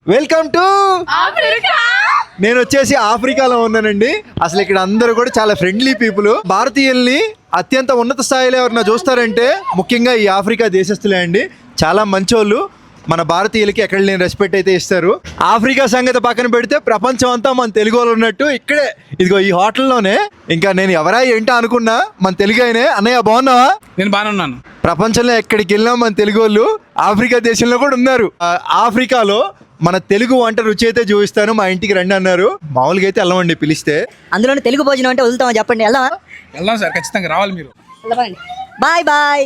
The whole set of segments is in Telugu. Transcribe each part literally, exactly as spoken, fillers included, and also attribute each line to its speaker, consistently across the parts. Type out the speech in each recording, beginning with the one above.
Speaker 1: Welcome to
Speaker 2: Africa.
Speaker 1: నేను వచ్చేసి ఆఫ్రికాలో ఉన్నానండి. అసలు ఇక్కడ అందరూ కూడా చాలా ఫ్రెండ్లీ పీపుల్. భారతీయుల్ని అత్యంత ఉన్నత స్థాయిలో ఎవరన్నా చూస్తారంటే ముఖ్యంగా ఈ ఆఫ్రికా దేశస్తులే అండి. చాలా మంచోళ్ళు. మన భారతీయులకి ఎక్కడ లేని రెస్పెక్ట్ అయితే ఇస్తారు. ఆఫ్రికా సంగతి పక్కన పెడితే ప్రపంచం అంతా మన తెలుగు వాళ్ళు ఉన్నట్టు ఇక్కడే ఇదిగో ఈ హోటల్లోనే. ఇంకా నేను ఎవరా ఏంటో అనుకున్నా, మన తెలుగు అయినే. అన్నయ్య బాగున్నావా?
Speaker 3: నేను బాగానే ఉన్నాను.
Speaker 1: ప్రపంచంలో ఎక్కడికి వెళ్ళినా మన తెలుగు వాళ్ళు ఆఫ్రికా దేశంలో కూడా ఉన్నారు. ఆ, ఆఫ్రికాలో మన తెలుగు వంట రుచి అయితే చూపిస్తాను, మా ఇంటికి రండి అన్నారు. మామూలుగా అయితే వెళ్ళమండి పిలిస్తే.
Speaker 4: అందులోనే తెలుగు భోజనం అంటే వదులుతామని చెప్పండి. వెళ్దామా?
Speaker 3: వెళ్దాం సార్, ఖచ్చితంగా రావాలి మీరు.
Speaker 4: Bye bye.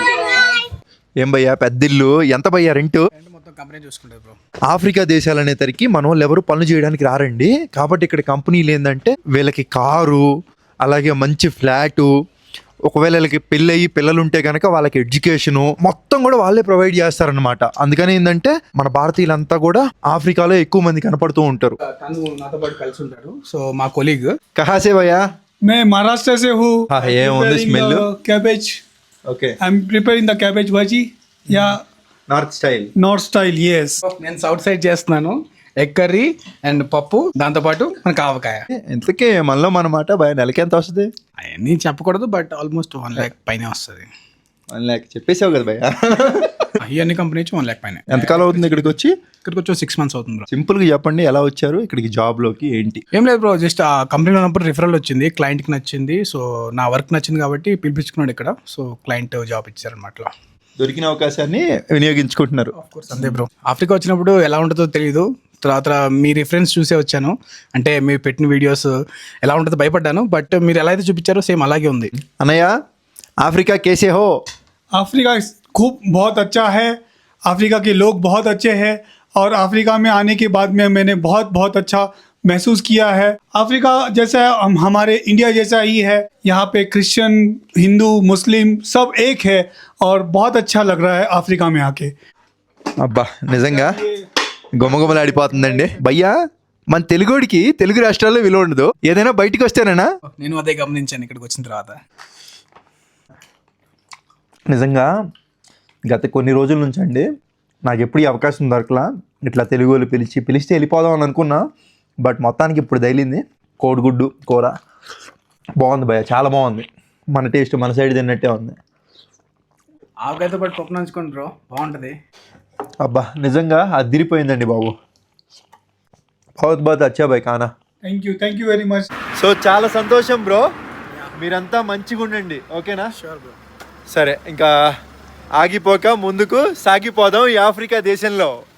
Speaker 1: ఏం భయ్యా పెద్దిల్లు, ఎంత భయ్యా రెంటు?
Speaker 3: మొత్తం కంపెనీ చూసుకుంటారు బ్రో.
Speaker 1: ఆఫ్రికా దేశాలు అనేసరికి మన వాళ్ళు ఎవరు పనులు చేయడానికి రారండి. కాబట్టి ఇక్కడ కంపెనీలు ఏంటంటే వీళ్ళకి కారు, అలాగే మంచి ఫ్లాటు, ఒకవేళ వీళ్ళకి పెళ్ళి అయ్యి పిల్లలు ఉంటే కనుక వాళ్ళకి ఎడ్యుకేషను మొత్తం కూడా వాళ్ళే ప్రొవైడ్ చేస్తారనమాట. అందుకని ఏంటంటే మన భారతీయులంతా కూడా ఆఫ్రికాలో ఎక్కువ మంది కనపడుతూ ఉంటారు.
Speaker 3: తను నాతో పాటు కలిసి ఉంటాడు. సో మా కొలీగ్.
Speaker 1: కహాసే భయ్యా?
Speaker 5: मैं महाराष्ट्र से हूँ.
Speaker 1: हाँ, ये on the smell.
Speaker 5: Cabbage.
Speaker 1: Okay,
Speaker 5: I am preparing the cabbage भाजी या
Speaker 1: north style.
Speaker 5: North style. Yes.
Speaker 3: నేను సౌత్ సైడ్ చేస్తున్నాను. ఎగ్ కర్రీ అండ్ పప్పు, దాంతో పాటు మనకు ఆవకాయ.
Speaker 1: ఇంతకీ మనలో మన మాట భయ నెలకి ఎంత వస్తుంది?
Speaker 3: అవన్నీ చెప్పకూడదు, బట్ ఆల్మోస్ట్ వన్ ల్యాక్ పైన వస్తుంది.
Speaker 1: వన్ ల్యాక్ చెప్పేసావు కదా భయ్యా.
Speaker 3: ఇవన్నీ కంపెనీ నుంచి వన్ ల్యాక్ పైన.
Speaker 1: ఎంతకాలం అవుతుంది ఇక్కడికి వచ్చి?
Speaker 3: ఇక్కడికి వచ్చి సిక్స్ మంత్స్ అవుతుంది బ్రో.
Speaker 1: సింపుల్ గా చెప్పండి, ఎలా వచ్చారు ఇక్కడికి జాబ్ లోకి, ఏంటి?
Speaker 3: ఏం లేదు బ్రో, జస్ట్ ఆ కంపెనీలో ఉన్నప్పుడు రిఫరల్ వచ్చింది, క్లయింట్కి నచ్చింది. సో నా వర్క్ నచ్చింది కాబట్టి పిలిపించుకున్నాడు ఇక్కడ. సో క్లయింట్ జాబ్ ఇచ్చారనమాట.
Speaker 1: దొరికిన అవకాశాన్ని వినియోగించుకుంటున్నారు.
Speaker 3: అంతే బ్రో. ఆఫ్రికా వచ్చినప్పుడు ఎలా ఉంటుందో తెలియదు. తర్వాత మీ రిఫరెన్స్ చూసే వచ్చాను. అంటే మీరు పెట్టిన వీడియోస్ ఎలా ఉంటుందో భయపడ్డాను, బట్ మీరు ఎలా అయితే చూపించారో సేమ్ అలాగే ఉంది.
Speaker 1: అన్నయ్య, ఆఫ్రికా కేసే హో?
Speaker 5: अफ्रीका खूब बहुत अच्छा है. अफ्रीका के लोग बहुत अच्छे हैं और अफ्रीका में आने के बाद में मैंने बहुत बहुत अच्छा महसूस किया है. अफ्रीका जैसा हम हमारे इंडिया जैसा ही है. यहाँ पे क्रिश्चियन, हिंदू, मुस्लिम सब एक है और बहुत अच्छा लग रहा है अफ्रीका में आके.
Speaker 1: అబ్బా నిజంగా గుమగుమలాడిపోతుందండి. భయ్యా, మన తెలుగుడికి తెలుగు రాష్ట్రాల్లో విలువ ఉండదు, ఏదైనా బయటికి వస్తేనేనా?
Speaker 3: నేను అదే గమనించాను ఇక్కడికి వచ్చిన తర్వాత.
Speaker 1: నిజంగా గత కొన్ని రోజుల నుంచి అండి నాకు ఎప్పుడు ఈ అవకాశం దొరకలా. ఇట్లా తెలుగు వాళ్ళు పిలిచి పిలిస్తే వెళ్ళిపోదాం అని అనుకున్నా, బట్ మొత్తానికి ఇప్పుడు తగిలింది. కోడిగుడ్డు కూర బాగుంది భయ్య, చాలా బాగుంది. మన టేస్ట్ మన సైడ్ తిన్నట్టే ఉంది.
Speaker 3: ఆవకాయతో పాటు పప్పు నంచుకోండి బ్రో, బాగుంటుంది.
Speaker 1: అబ్బా నిజంగా అదిరిపోయిందండి బాబు. బహుత్ బహుత్ అచ్చా భయ్ కానా.
Speaker 5: Thank you thank you very much.
Speaker 1: So చాలా సంతోషం బ్రో, మీరంతా మంచిగా ఉండండి, ఓకేనా?
Speaker 3: Sure bro.
Speaker 1: సరే, ఇంకా ఆగిపోక ముందుకు సాగిపోదాం ఈ ఆఫ్రికా దేశంలో.